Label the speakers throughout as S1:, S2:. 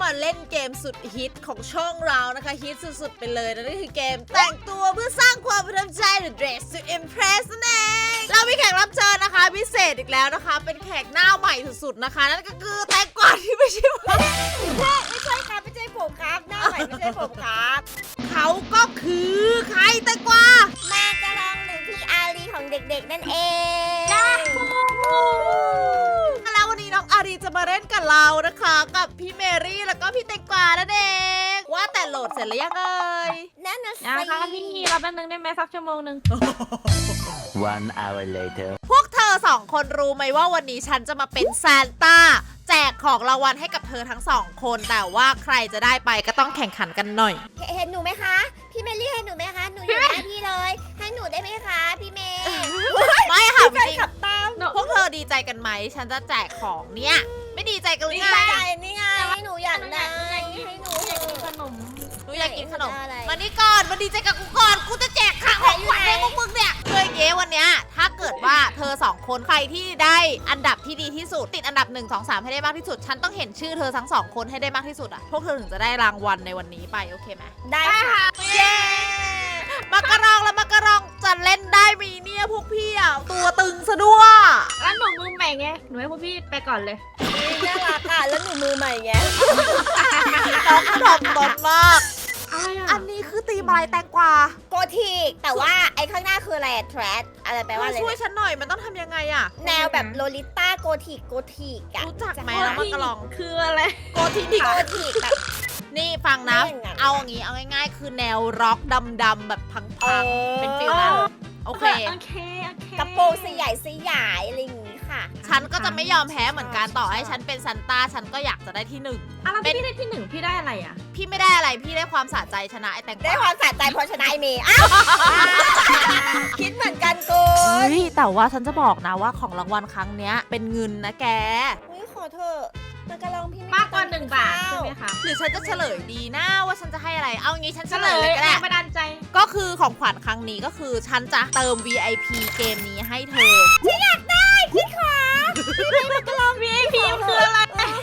S1: มาเล่นเกมสุดฮิตของช่องเรานะคะฮิตสุดๆไปเลยนั่นก็คือเกมแต่งตัวเพื่อสร้างความประทับใจหรือ Dress to Impress นั่นเองเรามีแขกรับเชิญนะคะพิเศษอีกแล้วนะคะเป็นแขกหน้าใหม่สุดๆนะคะนั่นก็คือแตงกวาที่ไม่ใช่ผม
S2: ไม่ใช่ครับไม่ใช่ผมครับหน้าใหม่ไม่ใช่ผมครับ
S1: เขาก็คือใครแตงกวา
S2: แม่กระลองหรือพี่อารีของเด็กๆนั่นเอง
S1: แล้ววันนี้น้องอารีจะมาเล่นกับเรานะคะกับพี่เมรี่แล้วก็พี่แตงกวานั่นเองว่าแต่โหลดเสร็จแล้วยังเอ่ย
S2: นั่นน่ะสิ
S3: นะคะพี่เราแป๊บนึงได้ไหมสักชั่วโมงนึง
S4: One hour later.
S1: พวกเธอสองคนรู้ไหมว่าวันนี้ฉันจะมาเป็นซานต้าแจกของรางวัลให้กับเธอทั้งสองคนแต่ว่าใครจะได้ไปก็ต้องแข่งขันกันหน่อย
S2: เห็นหนูไหมคะพี่เมลี่เห็นหนูไหมคะหนูอยู่หน้าพี่เลย ให้หนูได้ไหมคะพี่เมย์
S1: ไม่ค่ะจ
S2: ใช่
S1: ริง
S2: ขับตาม
S1: พวกเธอดีใจกันไหมฉันจะแจกของเนี่ยไม่ดีใจกันหรือ
S2: นี่
S1: ไง
S2: ไงนี่ไงหนูอยากได้ให้หนู
S3: อยากกินขนม
S1: หนูอยากกินขนม
S2: อะไร
S1: มานี่ก่อนมาดีใจกับกูก่อนกูจะแจกของขวัญให้พวกมึงเนี่ยเคยเย้วันเนี้ยถ้าเกิดว่าเธอสองคนใครที่ได้อันดับที่ดีที่สุดติดอันดับ1 2 3ให้ได้มากที่สุดฉันต้องเห็นชื่อเธอทั้งสองคนให้ได้มากที่สุดอ่ะพวกเธอถึงจะได้รางวัลในวันนี้ไปโอเคไหม
S2: ได้ค่ะ
S1: เย้มักกะรองและมักกะรองจะเล่นได้มีเนี่ยพวกพี่อ่ะตัวตึงซะด้วย
S3: แล้วหนูมือใหม่ไงหนูให้พวกพี่ไปก่อนเลย
S2: น่ารักอ่ะแล้วหนูมือใหม่ไง
S1: น้องดอกตนมาก
S3: อะไรอ่ะ
S1: อันนี้คือตีมอะไรแตงกวา
S2: โกธิกแต่ว่าไอ้ข้างหน้าคืออะไรแทรดอะไรแปลว่าอะไร
S1: ช่วย
S2: เนี่ย
S1: ฉันหน่อยมันต้องทำยังไงอ่ะ
S2: แนวแบบโลลิต้าโกธิกอะ
S1: รู้จักไหมน้องมักกะรอง
S3: คืออะไร
S1: โกธิดิก
S2: โกธิกแบบ
S1: นี่ฟังนะ
S2: ไม่อย่างนั้น
S1: เอาอย่างงี้เอาง่ายๆ คือแนวร็อกดำๆแบบพัง
S2: เออ
S1: ๆเป็นฟิลนั้นโอเค
S3: โอเคโอเค
S2: กระโปรงสยายอะไรอย่างงี้ค่ะ
S1: ฉันก็จะไม่ยอมแพ้เหมือนกันต่อให้ฉันเป็นซันต้าฉันก็อยากจะได้ที่หนึ่ง
S3: อ่ะแล้วพี่ได้ที่หนึ่งพี่ได้อะไรอ่ะ
S1: พี่ไม่ได้อะไรพี่ได้ความสะใจชนะไอ้แตงก
S2: ได้
S1: วา
S2: ความสะใจเพราะชนะไอเมย์อ้าวคิดเหมือนกันกู
S1: เฮ้ยแต่ว่าฉันจะบอกนะว่าของรางวัลครั้งเนี้ยเป็นเงินนะแก
S2: อุ้ยขอเถอะมันกระลองพี่ไม่
S3: มากกว่า1 บาทใช่ไหมคะ
S1: หรือฉันจะเฉลยดีนะว่าฉันจะให้อะไร เอางี้ฉัน
S3: เฉ
S1: เฉ
S3: ล
S1: ล
S3: ย
S1: ยเลยก็
S3: แร
S1: ได้
S3: งบันดาลใจ
S1: ก็คือของขวัญครั้งนี้ก็คือฉันจะเติม VIP เกมนี้ให้เธอ
S2: พี่อยากได้พี่ขอ
S3: VIP คืออะไร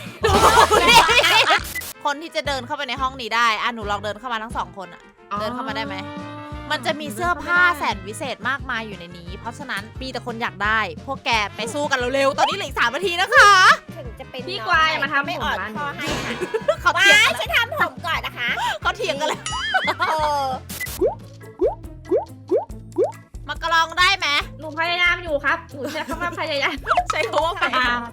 S1: คนที่จะเดินเข้าไปในห้องนี้ได้อ่ะหนูลองเดินเข้ามาทั้งสองคนอ่ะ เดินเข้ามาได้ไหม มันจะมีเสื้อผ้าแสนวิเศษมากมายอยู่ในนี้ เพราะฉะนั้นมีแต่คนอยากได้ พวกแกไปสู้กันเร็วๆ ตอนนี้เหลืออีก3 นาทีนะคะ
S2: ถึงจะเป็น
S3: พี่
S2: น้อง
S3: กวายมาทำ
S2: ไม่
S3: ผม
S2: อ่อน
S3: ร้าน
S2: คอให้ค่ะ
S1: เขา
S2: ว้า
S1: เถียง
S2: ยฉันทำผมก่อนนะคะ
S1: เขาเถียงกันแล้ว
S2: โอ้
S1: มากระลองได้ไหม
S3: หนูพยายามอยู่ครับหนูใช้คำว่าพยายาม
S1: ใช้คำว่าไป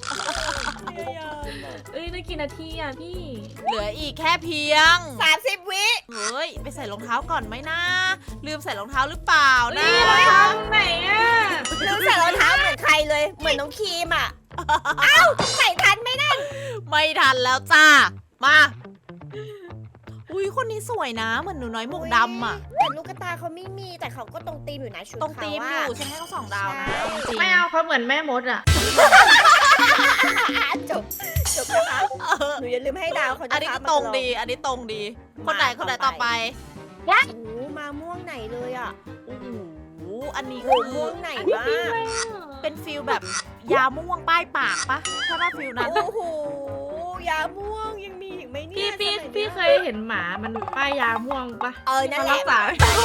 S3: เอ้ยได้กี่นาทีอ่ะพี่
S1: เหลืออีกแค่เพียง
S2: 30 วิ
S1: เฮ้ย ไปใส่รองเท้าก่อนไหมนะ ลืมใส่รองเท้าหรือเปล่านะ
S3: นี่เราทำไหนอ่ะ
S2: ลืมใส่รองเท้าเหมือนใครเลย เหมือนน้องครีมอ่ะ เอ้าใส่ทันไหมนั่น
S1: ไม่ทันแล้วจ้า มา อุ้ยคนนี้สวยนะ เหมือนหนูน้อยหมวกดำอ่ะ
S2: แต่ลูกตาเขาไม่มีแต่เขาก็ตรงตีมอยู่นะชุด
S1: ตรงตีมอยู่
S2: เขา
S1: ฉันให้เขา2 ดาวนะ
S2: ใช่
S1: เอาจริง
S3: ไม่เอาเขาเหมือนแม่มดอ่ะ
S2: อะจบนะคะ
S1: เออ
S2: หนูอย่าลืมให้ดาวเขา
S1: อันนี้ก็ตรงดี อันนี้ตรงดี คนไหนต่อไป
S2: โอ้โหมาม่วงไหนเลยอ่ะ
S1: โอ้โห อันนี้
S2: โอ้
S1: คือ
S2: โหม่วงไหน
S3: อันนี้
S2: บ้า
S3: พี่อะไร
S2: ง
S3: อ่ะ
S1: เป็นฟิลแบบยาม่วงป้ายปากปะถ้าว่าฟิลนั้น
S2: โอ้โหยาม่วงยังมีอีกไหมเนี่ย
S3: พี่
S2: สมัย
S3: พี่
S2: นี้
S3: เคยเห็นหมามันป้ายยาม่วงปะ
S2: นั่นแห
S3: รั
S2: ละ
S3: กษาย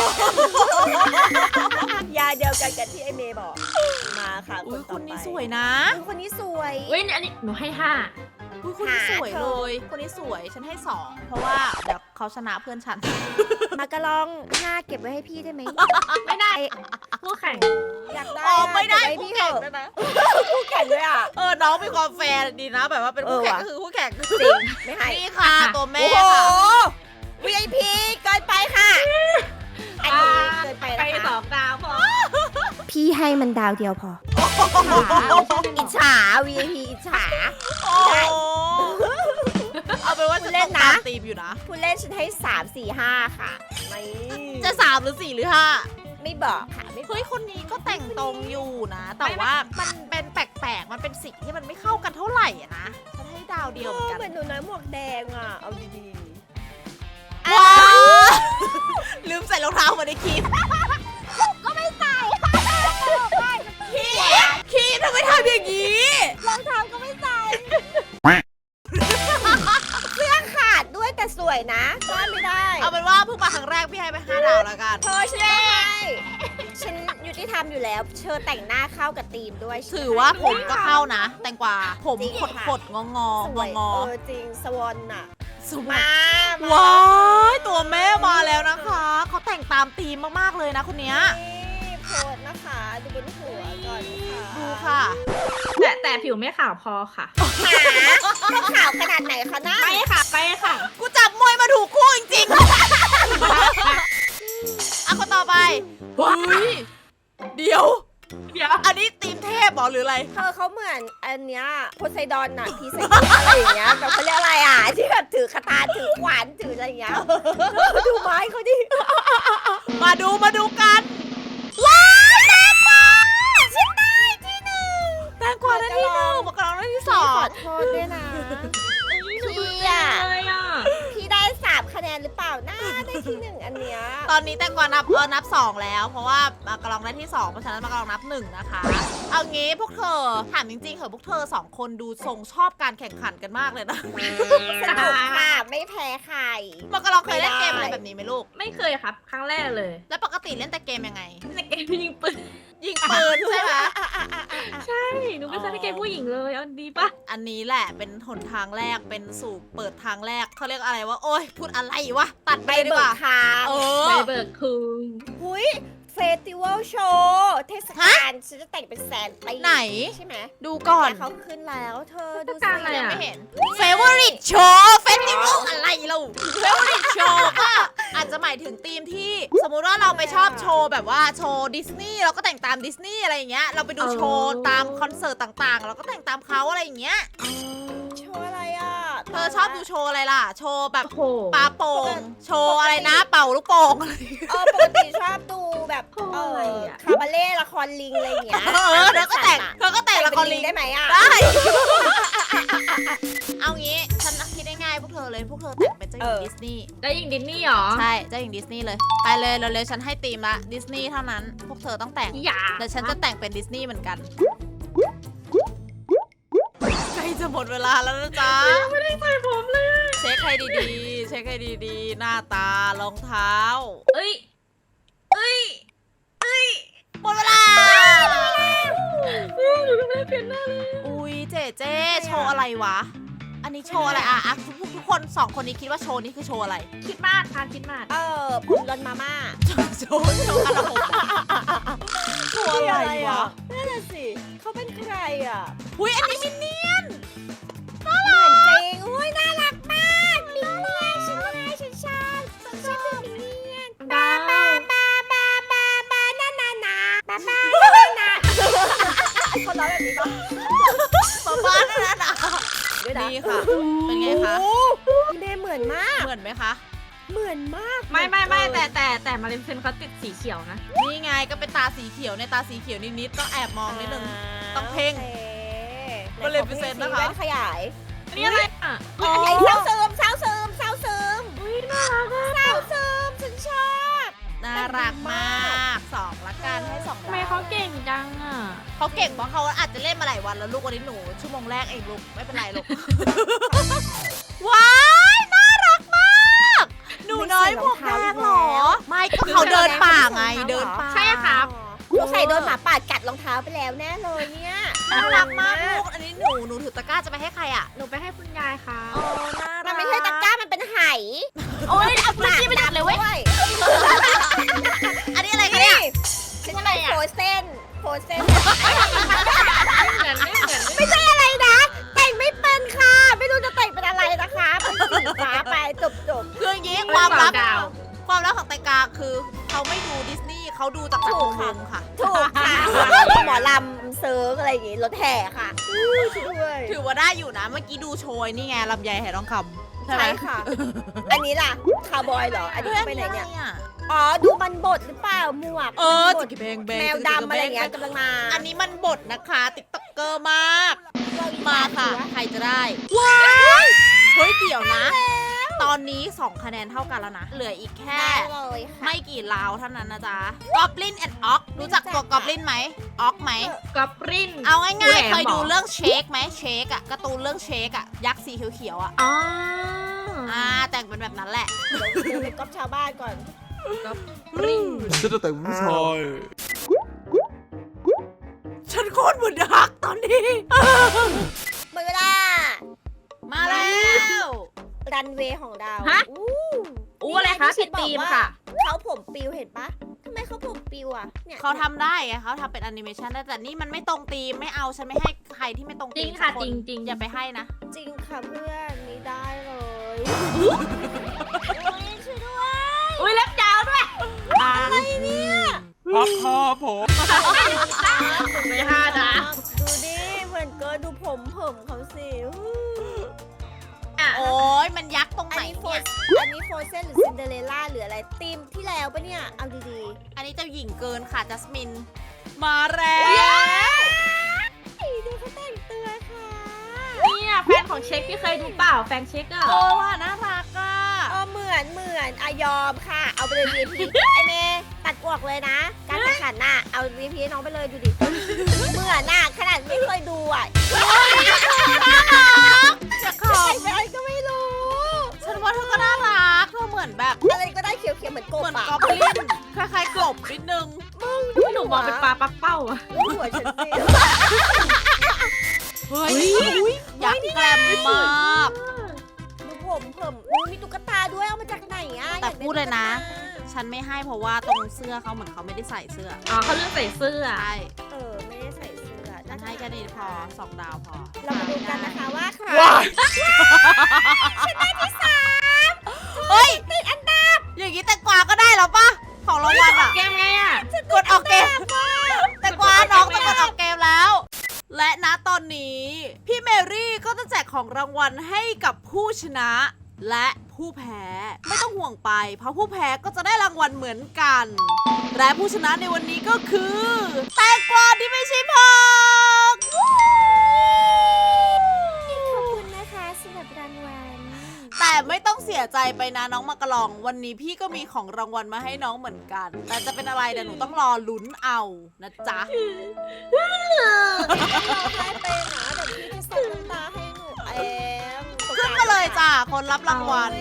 S2: าเดียวกันกับที่ไอเมย์บอก มาค่ะ
S1: อุ้ย
S2: ต่
S1: คนนี้
S2: ไป
S1: สวยนะ
S2: อุ๊ยคนนี้สวย
S3: เว้ยอันนี้หนูให้5
S1: อุ้ยคนนี้
S2: หา
S1: สวย
S2: เธ
S1: เล
S2: อ
S1: ย คนนี้สวย ฉันให้ 2 เพราะว่าเดี๋ยวเขาชนะเพื่อนฉัน
S2: มากระลองหน้าเก็บไว้ให้พี่ได้ไหม
S3: ไม่ได้ผู้แข่ง
S2: อยากได้
S1: อ๋อ ไม่ได้
S2: เก็บว้ให้
S1: คู่
S2: พี่
S1: แข่ง
S2: เถ
S1: ด้วย
S2: อะ
S1: นะ
S2: คู่แข่งด้วยอ่ะ
S1: น้องมีความแฟร์ดีนะ แบบว่าเป็นคู่แข่ง
S2: เออว่ะ
S1: ก็คือคู่แข่ง
S2: จริงไม่ให้
S1: นี่ค่ะ ตัวแม่
S2: โอ้โห
S1: ค่ะ
S2: VIP เกินไปค่ะอันนี้เกินไป
S3: ไป
S2: นะคะ
S3: 2 ดาวพอ
S2: พี่ให้มันดาวเดียวพอ อิจฉา VIP อิจฉา
S1: โอ้โหเอาเป็นว่าฉัน
S2: เล่
S1: ต้อน ง
S2: นะ
S1: ตามตีมอยู่นะ
S2: ผู้เล่นฉันให้ 3 4 5 ค่ะ ไม่
S1: จะ3 หรือ 4 หรือ
S2: ไม่บอกค่ะ ไม่
S1: 5
S2: บอก
S1: เฮ้ย คนนี้ก็แต่งตรงอยู่นะ แต่ว่ามันเป็นแปลกๆ มันเป็นสิ่งที่มันไม่เข้ากันเท่าไหร่อะนะ ฉันให้ดาวเดียวเหมือนกัน
S2: เหมือนหนูน้อยหมวกแดงอ่ะ เอาดี
S1: ว้าวลืมใส่รองเท้ามาในคลิป
S2: ๆ ก็ไม่ใส่ค่ะ
S1: คีทำไมทำอย่างนี้
S2: รองเท้าก็ไม่ใส่ เสื้อขาดทำอยู่แล้วเชิญแต่งหน้าเข้ากับธีมด้วยใช่ไหม
S1: ถือว่าผมก็เข้านะ แตงกวาผม
S2: จริง
S1: ขด
S2: ค่ะ
S1: ขดงองอ
S2: ส
S1: ง
S2: ว
S1: อย งอ
S2: จริงสวอนน่ะ
S1: สวย
S2: มามา
S1: ว้ายตัวแม่มาแล้วนะคะเขาแต่งตามธีมมากๆเลยนะคนเนี้ย
S2: นี่โพสต์นะคะดูบนหัวก่อนค่ะ
S1: ดูค่ะ
S3: แต่ผิวไม่ขาวพอค่ะ
S2: หาต้องข่าวขนาดไหนคะน้า
S3: ไปค่ะไปค่ะ
S1: กูจับมวยมาถูกคู่จริงๆ อ่ะคนต่อไปเฮ้ยเดี๋ยว
S3: เดี๋ยว
S1: อันนี้ธีมเทพเหรอหรืออะไร
S2: เธอเขาเหมือนอันเนี้ยโพไซดอนน่ะพีไซดอนอะไรอย่างเงี้ยแบบเขาเรียกอะไรอ่ะที่แบบถือคาถาถือขวานถืออะไรอย่างเงี้ยดูไม้เขาดิ
S1: มาดูกัน
S2: ว้าวแตงกวาฉันได้ที่หนึ่ง
S1: แตงกวาได้ที่หนึ่งมะกรองได้ที่สอ
S2: ข
S1: ง
S2: อโทษด้วยนะ
S3: พี่อ่ะเลยอ่ะ
S2: พี่ได้3คะแนนหรือเปล่าน่าได้ที่หนึ่งอันเนี้ย
S1: ตอนนี้แตงกวานับสองแล้ว เพราะว่ามากรองได้ที่สองเพราะฉะนั้นมากรองนับหนึ่งนะคะ เอางี้พวกเธอถามจริงๆเหอะพวกเธอสองคนดูทรงชอบการแข่งขันกันมากเลยนะ
S2: สนุกค่ะไม่แพ้ใคร
S1: มากรองเคยเล่นเกมอะไรแบบนี้ไหมลูก
S3: ไม่เคยครับ ครั้งแรกเลย
S1: แล้วปกติเล่นแต่เกมยังไง
S3: ในเกมยิงปืน
S1: ยิงปืนใช่ไหม
S3: ใช่หนูไม่เคยเล่นเกมผู้หญิงเลยเอาดีปะ
S1: อันนี้แหละเป็นหนทางแรกเป็นสู่เปิดทางแรกเขาเรียกอะไรว่าโอ๊ยพูดอะไรวะตัดไป
S2: ไป
S1: ดี
S2: เบิ
S1: ก
S2: ก
S1: ว่า
S2: ทาง
S1: เอ
S3: ไป
S1: อ
S3: เบิกคืน
S2: หุยเฟสติวัลโชว์เทศกาลฉันจะแต่งเป็นแสนปี
S1: ไหน
S2: ใช่ไหม
S1: ดูก่อน
S2: แต่เขาขึ้นแล้วเธอดู
S3: ต้องการอะไร
S1: ยัง
S3: อ่ะ
S1: ไม่เห็น favorite show festival อะไรเรา favorite show ก็อาจจะหมายถึงธีมที่ สมมุติว่าเราไปชอบโชว์แบบว่าโชว์ดิสนีย์เราก็แต่งตามดิสนีย์อะไรอย่างเงี้ยเราไปดูโชว์ตามคอนเสิร์ตต่างๆ เราก็แต่งตามเขาอะไรอย่างเงี้ย
S2: โชว์อะไรอ่ะ
S1: เธอชอบดูโชว์อะไรล่ะ โชว์แบบ
S3: โอ้โห
S1: ปาโป่งโชว์อะไรนะเป่าลูกโป่งอะไร
S2: ปกติชอบดูแบบ
S3: โอ้ยอะ
S2: คาบาเล่ละครลิงอะไรอย่างเงี้ย
S1: เธอก็แต่งละครลิง
S2: ได้ไหมอ่ะ
S1: ได้ เอางี้ฉันคิดได้ง่ายพวกเธอเลยพวกเธอแต่งเป็นเจ้าหญิงดิสนีย์
S3: แล้วยิงดินนี่หรอ
S1: ใช่เจ้าหญิงดิสนีย์เลย ไปเลยเร็วๆฉันให้ธีมละดิสนีย์เท่านั้น พวกเธอต้องแต่ง
S3: อย่า
S1: แต่ฉันจะแต่งเป็นดิสนีย์เหมือนกันใกล้จะหมดเวลาแล้วนะจ๊ะ
S3: ไม่ได้ใส่ผมเลย
S1: เช็คให้ดีๆ เช็คให้ดีๆ หน้าตารองเท้า
S3: เอ้ย
S1: หมดเวลา
S3: หนูไม่ได้เปลี่ยนหน้าเลย
S1: อุ้ยเจ๊โชว์อะไรวะ อันนี้โชว์อะไรอ่ะทุกคนสองคนนี้คิดว่าโชว์นี้คือโชว์อะไร
S3: คิดมากค่ะคิดมาก
S2: ผมรอนมาม่า
S1: โชว์กระผมโชว์อะไรวะ
S2: นั่นน่ะสิเขาเป็นใครอ่ะ
S1: อุ้ยอันนี้มินเนี่ยน
S2: เหมือนจริงอุ้ยน่ารักมากมินเนี่ยนฉันไงฉันชอบมินเนี่ยน
S3: ดาว
S2: บานานานาบานานาคนร้องแบบนี้ปะ
S1: บ้าๆนั่นน่ะ
S2: ด้วยนะ
S1: นี่ค่ะ เป็นไงคะ
S2: โอ้พี่เมย์เหมือนมาก
S1: เหมือนไหมคะ
S2: เหมือนมาก
S3: ไม่แต่มารินเพนเขาติดสีเขียวนะ
S1: นี่ไงก็เป็นตาสีเขียวในตาสีเขียวนิดๆต้องแอบมองนิดนึง ต้องเพ่ง
S2: โอ
S1: ก็เลยเป็นเซนนะคะ
S2: แว่นขยาย
S3: อันนี้อะไรอ่ะ
S1: อ๋อ
S2: ไอ้เศร้าซึมเศร้าซึมเศร้าซึม
S3: อุ้ยน่ารักอ่ะ
S2: เศร้าซึมฉันชอบ
S1: น่ารักมากสองละกันให้สอง
S3: ทำไมเขาเก่งจังอ่ะ
S1: เขาเก่งเพราะเขาอาจจะเล่นมาหลายวันแล้วลูกวันนี้หนูชั่วโมงแรกเองลูกไม่เป็นไรลูก ว้ายน่ารักมาก หนูน้อยหมวกแดงเหรอ ไม่ก็เขาเดินป่าไงเดินป่า
S3: ใช่ครับ
S2: สงสัยโดนหมาป่ากัดรองเท้าไปแล้วแน่เลยเนี่ย
S1: น่ารักมากลูกอันนี้หนูถือตะกร้าจะไปให้ใครอ่ะ
S3: หนูไปให้คุณยายค่ะ
S1: อ๋อน่ารัก
S2: มันไม่ใช่ตะกร้ามันเป็นไห
S3: โอ้ยเอาพื้นที่ไปดัดเลยเว้ย
S2: ด้วย
S1: อันนี้อะไรคะเนี่ย
S2: ฉันจะไปโพสเส้น
S3: ไม่เหมือน
S2: ไม่ใช่อะไรนะ แต่งไม่เป็นค่ะ ไม่รู้จะแต่งเป็นอะไรนะคะเป็นสีฟ้าไปจบ
S1: คืออย่างนี้ความลับ
S3: ดาว
S1: ความลับของแตงกาคือเขาไม่ดูดิสนีย์เขาดูจากจักรวงศ์ค่ะ
S2: ถูกค่ะหมอลำเซิร์ฟอะไรอย่างงี้รถแห่ค่ะช่วย
S1: ถือว่าได้อยู่นะ เมื่อกี้ดูโชยนี่ไงลำไยไหทองคำใช่ไหม
S2: ใช่ค่ะ อันนี้ล่ะคาวบอยเหรอ อันนี้
S1: ฮ้
S2: ไปไหนเนี่ย
S1: อะ
S2: อ๋อ ดูมันบดหรือเปล่าหมวก
S1: จิกกแบงแบง
S2: แมวดำอะไรอย่างเงี้ยกำลังมา
S1: อันนี้มันบทนะคะติ๊กต็อกเกอร์มาก มาค่ะ ใครจะได้
S2: ว้าย
S1: เฮ้ยเดี๋ยวนะ ตอนนี้ 2 คะแนนเท่ากันแล้วนะ เหลืออีกแค่
S2: ได้เลยค่ะ
S1: ไม่กี่ราวเท่านั้นนะจ๊ะ Goblin and Ox รู้จักตัว Goblin ไหม Ox ไหม
S3: กอบริน
S1: เอาง่ายๆ เคยดู
S3: เรื่
S1: เรื่องเชคไหมเชคอะการ์ตูนเรื่องเชคอะยักษ์สีเขียวๆอะ
S3: อ๋อ
S1: แต่งเป็นแบบนั้นแหละ
S2: เดี๋ยวไปก๊อปชาวบ้านก่อน
S3: กอบริน
S5: ฉันจะแต่งผู้ชาย
S1: มือนดักตอนนี้
S2: หมดเวลา
S1: มาแล้ว
S2: รันเวย์ของเรา
S3: ฮะ
S2: อู้
S3: อู้อะไรคะผิดธีมค่ะ
S2: เขาผมปิวเห็นปะทำไมเขาผมปิวอ่ะเนี่ย
S1: เขาทำได้ไงเขาทำเป็นแอนิเมชันได้แต่นี่มันไม่ตรงธีมไม่เอาฉันไม่ให้ใครที่ไม่ตรง
S3: จริ
S1: ธี
S3: ง
S1: ม
S3: ค่ะ
S1: สักน
S3: จริงๆ
S1: อย่าไปให้นะ
S2: จริงค่ะเพื่อนไม่ได้เลยช่วยด้วย
S3: อุ้ยเล็บยาวด้วย
S2: อะไรเนี่ย
S5: พับคอผม
S3: ไม่ห้านะ
S2: ดูดิเหมือนเกินดูผมเขาสิอู้
S1: โอ้ยมันยักษ์ตรง
S2: อัน
S1: ไหน
S2: นี้โฟ
S1: เนี่ย
S2: อันนี้โฟเซนหรือซินเดอเรลล่าหรืออะไรธีมที่แล้วปะเนี่ยเอาดี
S1: อันนี้เจ้าหญิงเกินค่ะจัสมิน มาแล้ว
S2: ๆดูเขาแต่งตัวค่ะ
S3: เนี่ยแฟนของเช็คพี่เคยดูเปล่าแฟนเช็คอะ
S1: โอ้ว่าน่ารักอ่ะ
S2: เหมือนอะยอมค่ะ เอาไปเลย VP ไอเมย์ตัดออกเลยนะ การแข่งขันน่ะเอา VP ให้น้องไปเลยดูดิเหมือนน่ะขนาดไม่เคยดูอ่ะ
S1: จะขอ
S2: แต่งเป็นอะไรก็ไม่รู้
S1: ฉันว่าเธอก็น่ารักเธอเหมือนแบบ
S2: อะไรก็ได้เขียวๆเหมือนกบ
S1: เหมือน
S2: อ่ะ
S1: กอบลินคล้ายๆกบนิดนึง
S3: หนูมองเป็นปลาปักเป้าอะ
S2: ดูหัวฉันสิ
S1: เฮ้ยยักษ์แกรมมาก
S2: ดูผมอุ๊ยมีตุ๊กตาด้วยเอามาจากไหนอ่ะ
S1: แต่
S2: อากไ
S1: พูดเลยนะ
S2: ตุ๊กตา
S1: ฉันไม่ให้เพราะว่าตรงเสื้อเขาเหมือนเขาไม่ได้ใส่เสื้อ
S3: อ๋อเขาเลือกใส่เสื้อ
S1: ใช่
S2: ไม่ได้ใส่เสื้อ
S1: ฉันให้แค่นี้พอ2 ดาวพอ
S2: เรามาดูกันนะคะว่าใคร
S1: เฮ้ยติดอันดับอย่างนี้แต่กวาก็ได้แล้วปะของรางวัลอ่ะ
S3: เกมไงอะ
S1: กดออกเกมแต่กวาน้องต้องกดออกเกมแล้ว และณตอนนี้พี่เมรี่ก็จะแจกของรางวัลให้กับผู้ชนะ และผู้แพ้ไม่ต้องห่วงไป เพราะผู้แพ้ก็จะได้รางวัลเหมือนกัน และผู้ชนะในวันนี้ก็คือแตงกวาที่ไม่ใช่ผัก
S2: ขอบคุณนะคะสำหรับรางวัล
S1: แต่ไม่ต้องเสียใจไปนะน้องมากระลอง วันนี้พี่ก็มีของรางวัลมาให้น้องเหมือนกัน แต่จะเป็นอะไรเดี๋ยวหนูต้องรอลุ้นเอานะจ๊ะ
S2: เราให้ไปนะเดี๋ยวพี่จะส่งน้ำตาให้หนูเอง
S1: ขึ้นมาเลยจ้ะคนรับรางวัล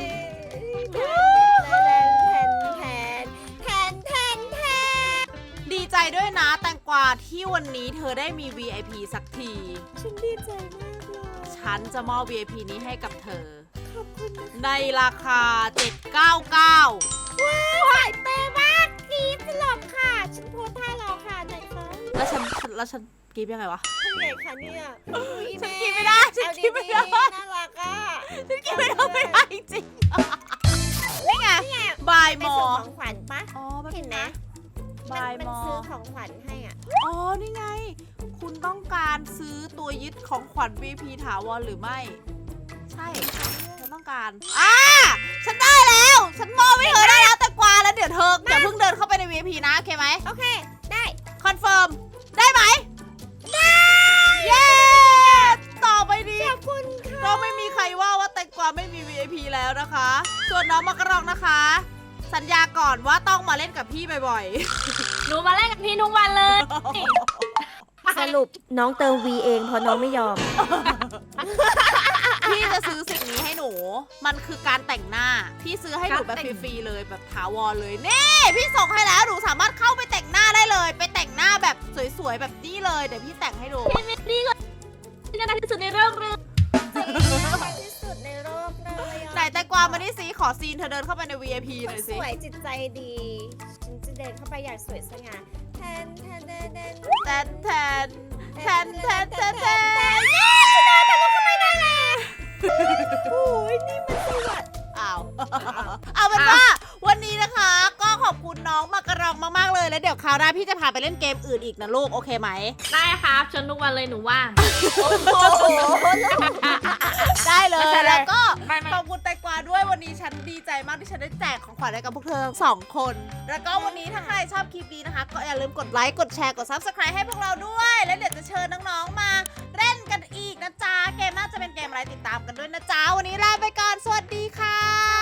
S2: แทน
S1: ดีใจด้วยนะแตงกวาที่วันนี้เธอได้มี VIP สักที
S2: ฉันดีใจมากเลย
S1: ฉันจะมอบ VIP นี้ให้กับเธอ
S2: ขอบคุณนะคะ
S1: ในราคา 799
S2: หายเปย์มากกรี๊ดตลอดค่ะ ฉันโพสท่าเราค่ะไหนคะ
S1: แล้วฉันกรีบยังไงวะ
S2: ท่านไหนคะเนี่ย
S1: ฉันกินไม่ได้ฉันกินไม่ได้
S2: น่ารักอ่ะ
S1: ฉันกรีบไม่ได้จริงๆนี่ไงบาย
S2: ไป
S1: มอ
S2: ส่งของขวัญปะ
S1: อ๋อแป๊บ
S2: เห็นไหม
S1: บาย
S2: มัน
S1: มอ
S2: ซื้อของขวัญให้อ่ะ
S1: อ๋อ นี่ไง คุณต้องการซื้อตัวยึดของขวัญ VIP ถาวรหรือไม่ ใช่ฉันต้องการฉันได้แล้ว ฉันมอบให้เธอได้แล้วแต่กวาแล้วเดี๋ยวเธออย่าเพิ่งเดินเข้าไปใน VIP นะ โอเคไหม
S2: โอเค ได้
S1: คอนเฟิร์ม ได้ไหม ได้ เย้ ต่อไปนี้
S2: ขอบคุณค่ะ
S1: ก็ไม่มีใครว่าแตงกวาไม่มี VIP แล้วนะคะ ส่วนน้องมะกรองนะคะ สัญญาก่อนว่าต้องมาเล่นกับพี่บ่อยๆ
S3: หนูมาเล่นกับพี่ทุกวันเลย
S2: สรุปน้องเติม V เองเพราะน้องไม่ยอม
S1: พี่จะซื้อสิ่งนี้ให้หนู มันคือการแต่งหน้า พี่ซื้อให้หนูแบบฟรีๆเลยแบบถาวรเลย นี่ พี่ส่งให้แล้ว หนูสามารถเข้าไปแต่งหน้าได้เลย ไปแต่งหน้าแบบสวยๆแบบนี้เลย เดี๋ยวพี่แต่งให้ดู
S3: พี่เมรี่ก็ที่น่ารักที่สุดในโลกเลย
S2: ที่สุดในโลกเลยอะ
S1: ไหนแต่กวามานี่สิขอซีนเธอเดินเข้าไปใน VIP หน่อย
S2: ส
S1: สิ
S2: วยจิตใจดี ฉันจะเดินเข้าไปอย่างสวยสง่าแทน
S1: แทนแทนแทนแทนแทนแทน
S2: ฉันเดินทะลุเข้าไปได้แล้วโอ้ยนี่มันสวัสดิ์
S1: อ้าว เอาเป็นว่าวันนี้นะคะ ก็ขอบคุณน้องมากระรองมากๆเลย แล้วเดี๋ยวคราวหน้าพี่จะพาไปเล่นเกมอื่นอีกนะลูก โอเคไหม
S3: ได้ครับชวนทุกวันเลยหนูว่าง
S2: โอ้โห
S1: ได้เลย
S3: ไม่เป็นไร
S1: แล้วก็
S3: ไม่
S1: ขอบคุณแตงกวาด้วยวันนี้ฉันดีใจมากที่ฉันได้แจกของขวัญให้กับพวกเธอทั้งสองคน แล้วก็วันนี้ถ้าใครชอบคลิปนี้นะคะ ก็อย่าลืมกดไลค์กดแชร์กด Subscribe ให้พวกเราด้วย แล้วเดี๋ยวจะเชิญน้องๆมาเล่นกันอีกนะจ๊ะเกมน่าจะเป็นเกมอะไรติดตามกันด้วยนะจ๊ะวันนี้ลาไปก่อนสวัสดีค่ะ